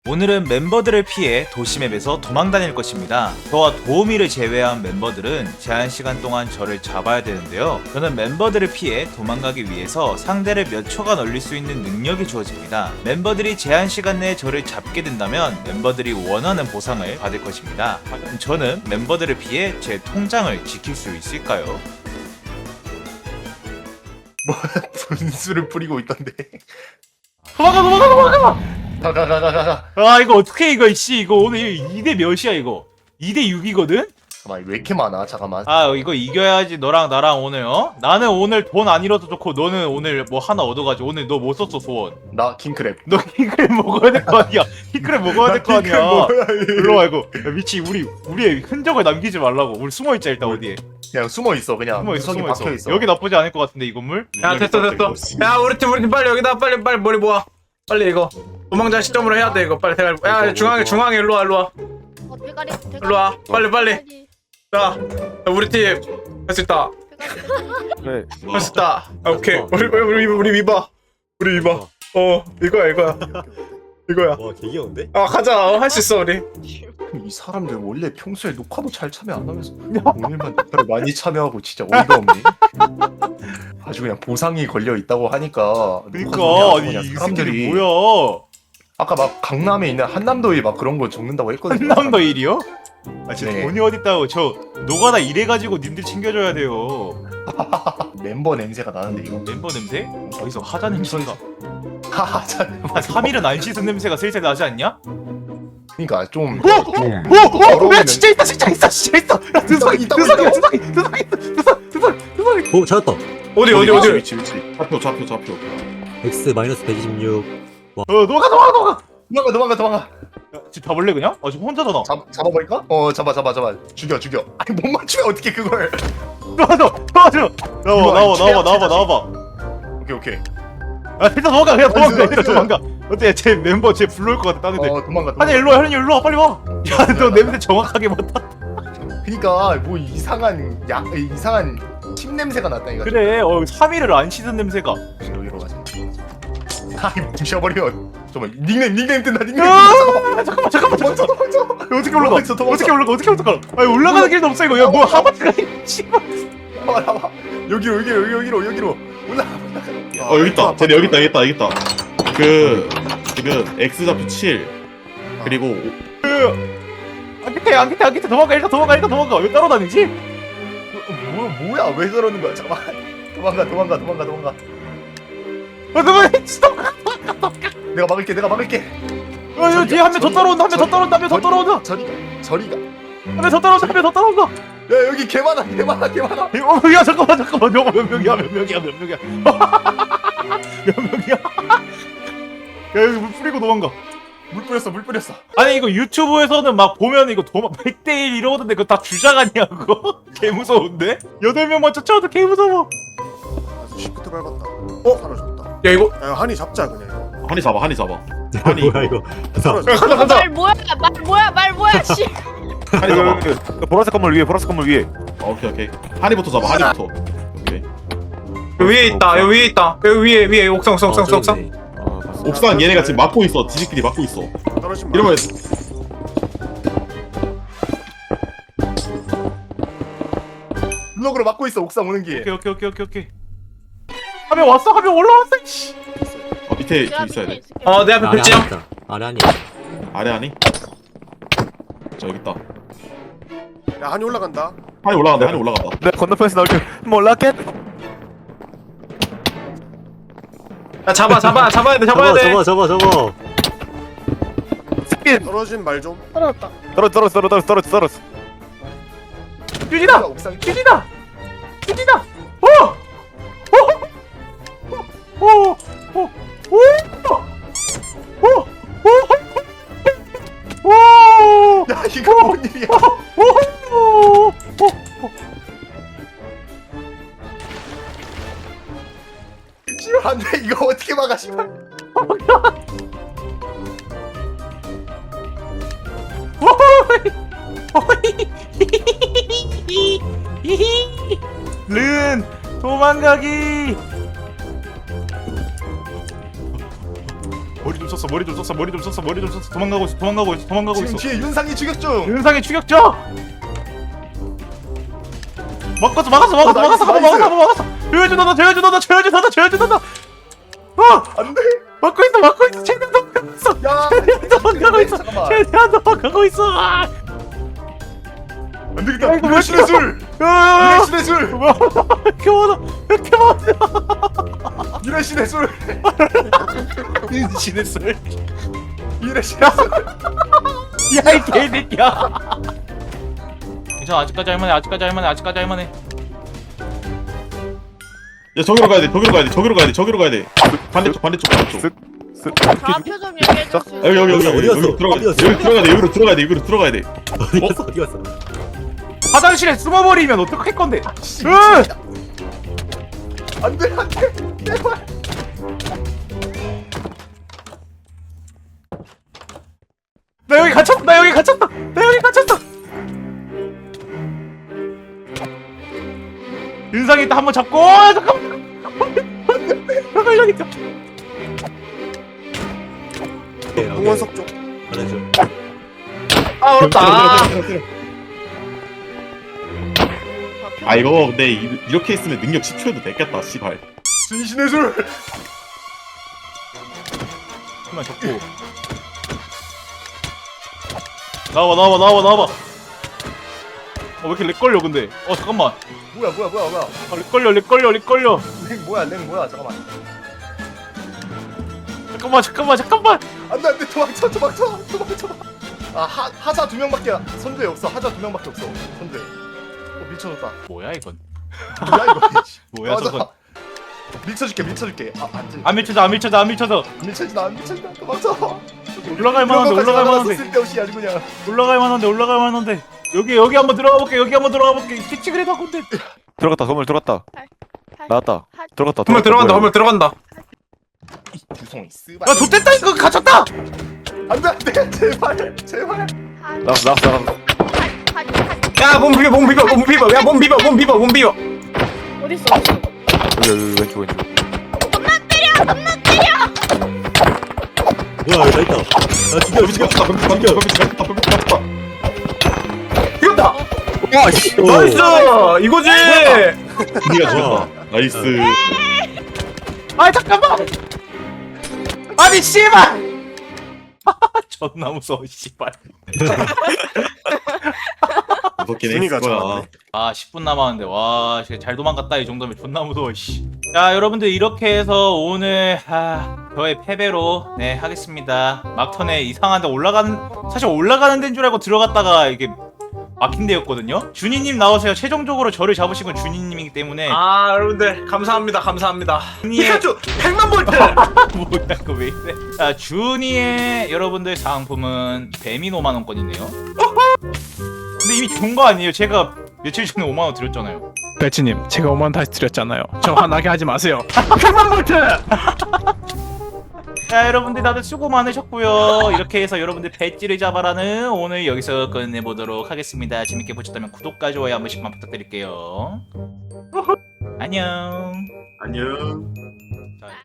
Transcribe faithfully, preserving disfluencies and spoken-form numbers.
오늘은 멤버들을 피해 도시맵에서 도망다닐 것입니다. 저와 도우미를 제외한 멤버들은 제한시간 동안 저를 잡아야 되는데요. 저는 멤버들을 피해 도망가기 위해서 상대를 몇 초간 얼릴 수 있는 능력이 주어집니다. 멤버들이 제한시간 내에 저를 잡게 된다면 멤버들이 원하는 보상을 받을 것입니다. 과연 저는 멤버들을 피해 제 통장을 지킬 수 있을까요? 뭐 분수를 뿌리고 있던데. 도망가 도망가 도망가! 가가가가가. 아 이거 어떻게 이거 씨 이거 오늘 이 대 몇이야 이거? 이 대 육이거든? 잠깐만 왜 이렇게 많아? 잠깐만. 아 이거 이겨야지 너랑 나랑 오늘 어? 나는 오늘 돈 안 잃어도 좋고 너는 오늘 뭐 하나 얻어가지고 오늘 너 못 썼어 소원. 나 킹크랩. 너 킹크랩 먹어야 될 거 아니야. 킹크랩 먹어야 될 거 아니야. 일로 와 이거. 야, 미치 우리 우리의 흔적을 남기지 말라고. 우리 숨어 있자 일단 어디에. 그냥 숨어 있어 그냥. 숨어 있어 구석에 숨어 있어. 박혀 있어. 여기 나쁘지 않을 것 같은데 이 건물. 야 됐어 됐어. 야 우리 팀 우리 팀 빨리 여기다 빨리 빨리 머리 모아. 빨리 이거 도망자 시점으로 해야 돼 이거 빨리 대가리. 야 중앙에 중앙에 일로 와 일로 와. 어, 대가리, 대가리. 일로 와 빨리 빨리. 자 우리 팀 할 수 있다. 그래. 할 수 있다. 아, 오케이 우리 우리 우리 위바 우리 위바. 어 이거야 이거야 이거야. 와 개귀여운데? 아 가자 할 수 있어 우리. 이 사람들 원래 평소에 녹화도 잘 참여 안 하면서 오늘만 녹화를 많이 참여하고 진짜 어이가 없네. 아주 그냥 보상이 걸려 있다고 하니까. 그러니까 녹화 아니 그냥 이 사람들이 새끼들 뭐야? 아까 막 강남에 있는 한남도에 막 그런 거 적는다고 했거든요. 한남도 일이요? 아 진짜 네. 돈이 어딨다고 저 노가다 일해가지고 님들 챙겨줘야 돼요. 멤버 냄새가 나는데 이거. 멤버 냄새? 어디서 하자 냄새가? 하하 참. 한 삼 일은 안 씻은 냄새가 슬슬 나지 않냐? 그러니까 좀. 오! 오! 오! 야 진짜 있다 진짜 있어 진짜 있어! 야 드석이 있다고, 드석이 있다고. 드석이 드석이 드석 드석 드석이 오 찾았다. 어디 어디 어디. 위치 위치. 좌표 좌표 좌표 X 마이너스 백이십육. 어 너가 너가 너가! 도망가 도망가 도망가. 야 지금 잡을래 그냥? 아 지금 혼자잖아. 잡 잡아버릴까? 어 잡아 잡아 잡아. 죽여 죽여. 아니 못 맞추면 어떻게 그걸? 도와줘 도와줘! 나와 이거 나와 최악, 나와 나와 최악. 나와봐. 오케이 오케이. 아 일단 도망가 그냥 도망가 나이스, 일단 나이스. 도망가. 어때 쟤 멤버 쟤 불러올 것 같아 다른 애들. 어 도망가. 한이 일로 와 한이 일로 와 빨리 와. 야 너 냄새 정확하게 맡아. 그니까 뭐 이상한 약 이상한 침 냄새가 났다니까. 그래 어 삼 일을 안 씻은 냄새가. 여기로 가자. 아이 부셔버려. 잠깐만 닉네임 닉네임 뜬다 닉네임. 아 잠깐만 잠깐만 도망쳐 잠깐만. 도망쳐. 어떻게 올라가? 도망쳐, 도망쳐. 어떻게 올라가? 어떻게 올라가? 아니 올라가는 길도 없어 이거. 야뭐 하마트가 씨발. 나와 나와. 여기로 여기로 여기로 여기로 여기로 올라. 어 여기 있다 쟤네 여기 있다 여기 있다 여기 있다 그 지금 X 좌표 칠 그리고 안 깃해 안 깃해 안 깃해 도망가 일단 도망가 일단 도망가. 왜 따라다니지? 뭐 뭐야 왜 저러는 거야 잠깐. 도망가 도망가 도망가 도망가. 아 도망가 스톱. 내가 막을게 내가 막을게. 아 이거 뒤에 한 명 더 따라온다 한 명 더 따라온다 한 명 더 따라온다 저리가 저리가. 한 명 더 따라온다 한 명 더 따라온다. 야 여기 개 많아 개 많아 개 많아. 어, 야 잠깐만 잠깐만 저거 몇 명이야 몇 명이야 몇 명이야 몇 명이야. 야 여기 물 뿌리고 도망가. 물 뿌렸어 물 뿌렸어. 아니 이거 유튜브에서는 막 보면 이거 도망 백 대 일 이러던데 그거 다 주작 아니야 그거? 개 무서운데? 여덟 명만 쫓아와도 개 무서워. 시프트 밟았다. 어? 사라졌다. 야 이거 야, 한이 잡자 그냥. 한이 잡아 한이 잡아 한이 뭐야 이거? 사라졌다. 가자 가자. 말 뭐야, 말 뭐야, 말 뭐야, 씨. 한이 잡아 보라색 건물 위에 보라색 건물 위에. 어, 오케이 오케이 한이부터 잡아 한이부터 오케이 여기 위에 있다 여기 위에 있다 여기 위에 위에 옥상 옥상 옥상 옥상. 옥상 얘네가 지금 막고 있어 지들끼리 막고 있어 떨어지면 이러면 블럭으로 막고 있어 옥상 오는 길. 오케이 오케이 오케이 오케이 오케이. 한 명 왔어 한 명 올라왔어. 씨. 어, 밑에 좀 있어야 돼 어 내 앞에 아래 글지형. 아니 있다. 아래 아니. 아래 한이 저 여기 있다 야 한이 올라간다. 한이 올라간다 한이 올라간다 내 건너편에서 나올 줄 몰랐겠. 야 잡아 잡아 잡아야 돼 잡아야 잡아 돼. 잡아 잡아 잡아. 떨어진 말 좀. 떨어졌다. 떨어져 떨어져 떨어져 떨어져 떨어져. 유진아 옥상. 유진아 유진아. 어. 어. 어. 어. 어. 어. 어. 어. 야 이거 뭔 일이야? 오! 씨발 안돼 이거 어떻게 막아 씨발. 른 도망가기. 머리 좀 썼어 머리 좀 썼어 머리 좀 썼어 머리 좀 썼어 도망가고 있어 도망가고 있어 도망가고 지금 있어 뒤에 윤상이 추격 중. 윤상의 추격자 막았어 막았어 막았어 어, 막았어 나이스, 한번 막았어 한번 막았어 조여주 너다 조여주 너다 조여주 너다 조여주 너다 어 안돼. 막고 있어 막고 있어 최대한 도망가고 있어 야. 최대한 도망가고 있어 잠깐만. 최대한 도망가고 있어 아 안 되겠다. 야, 이거 왜 유래신의 술. 야, 유래신의 술. 뭐야 이렇게 많아 이렇게 많아 유래신의 술. 윤신의 술 유래신의 술. 야이 개새끼야 괜찮아 아직까지 할만해 아직까지 할만해 아직까지 할만해 야 저기로 가야 돼 저기로 가야 돼 저기로 가야 돼 저기로 가야 돼 반대쪽 반대쪽 반대쪽 좌표 좀 얘기해 줄 수 아, 여기 여기 여기 있어요? 여기 여기 들어가 여기 들어가야 돼 여기로 들어가야 돼 여기로 들어가야 돼 어디 갔어 어디 갔어 화장실에 숨어버리면 어떡할 건데 씨, 으! 진짜. 안돼 안돼. 제발. 나 여기 갇혔다 나 여기 갇혔다 나 여기 갇혔다 윤상이 있다 한번 잡고 어, 잠깐만 잠깐만 여기 있다 공원석 쪽. 화장실 아 어렵다. 아 이거 근데 이- 이렇게 있으면 능력 십 초에도 됐겠다 씨발 진신의 술. 한번 잡고 나와봐 나와봐 나와봐 나와봐 어 왜 이렇게 렉 걸려 근데 어 잠깐만 뭐야 뭐야 뭐야 뭐야. 아, 렉 걸려 렉 걸려 렉 걸려 랭 뭐야 랭 뭐야 잠깐만. 잠깐만 잠깐만 잠깐만 안돼 안돼 도망쳐 도망쳐 도망쳐. 아 하, 하자 두 명밖에 선두에 없어. 하자 두 명밖에 없어 선두에. 어, 밀쳐줬다. 뭐야 이건 뭐야 이거. 뭐야 맞아. 저건 밀쳐줄게 밀쳐줄게. 아 안돼. 안 밀쳐져 안 밀쳐져 안 밀쳐져 안 밀쳐진다 안 밀쳐진다. 도망쳐. 올라갈 만한데 올라갈 만한데 쓸데없이 아주 그냥. 올라갈 만한데 올라갈 만한데 여기 여기 한번 들어가 볼게 여기 한번 들어가 볼게 피치 그래도 건데 들어갔다 건물 들어갔다 팔, 나왔다 들어갔다 건물 들어간다 건물 들어간다. 주성이 쓰바. 야 좆됐다 이거 갇혔다 안돼 안돼 제발 제발. 나왔어 나왔어 나왔어 야몸 비벼 몸 비벼 몸 비벼 야몸 비벼 몸 비벼 몸 비벼. 어디 있어? 어디 있어? 여기 여기 왼쪽 왼쪽 뭐야 여기 있다 나 죽여 미치겠다 범피 죽여 범피 죽였다 범피 죽였다 이겼다. 와씨 나이스 이거지. 니가 죽였다 나이스 아 잠깐만 아니 씨발 존나 무서워 씨발 무섭긴 순위가 했을 거야 좋았네. 아 십 분 남았는데 와 진짜 잘 도망갔다 이 정도면 존나 무서워 씨. 자 여러분들 이렇게 해서 오늘 아, 저의 패배로 네 하겠습니다. 막턴에 이상한데 올라가는 사실 올라가는 데인 줄 알고 들어갔다가 이게 막힌 데였거든요. 준이님 나오세요. 최종적으로 저를 잡으신 건 준이님이기 때문에 아 여러분들 감사합니다 감사합니다. 준이의 피카츄 백만 볼트. 뭐야 이거 왜 이래? 자 준이의 여러분들 상품은 뱀인 오만 원권이네요. 근데 이미 준 거 아니에요? 제가 며칠 전에 오만 원 드렸잖아요. 배치님 제가 오만 원 다시 드렸잖아요. 저 화나게 하지 마세요. 백만 볼트! 자 여러분들 다들 수고 많으셨고요. 이렇게 해서 여러분들 배지를 잡아라는 오늘 여기서 끝내보도록 하겠습니다. 재밌게 보셨다면 구독과 좋아요 한 번씩만 부탁드릴게요. 안녕. 안녕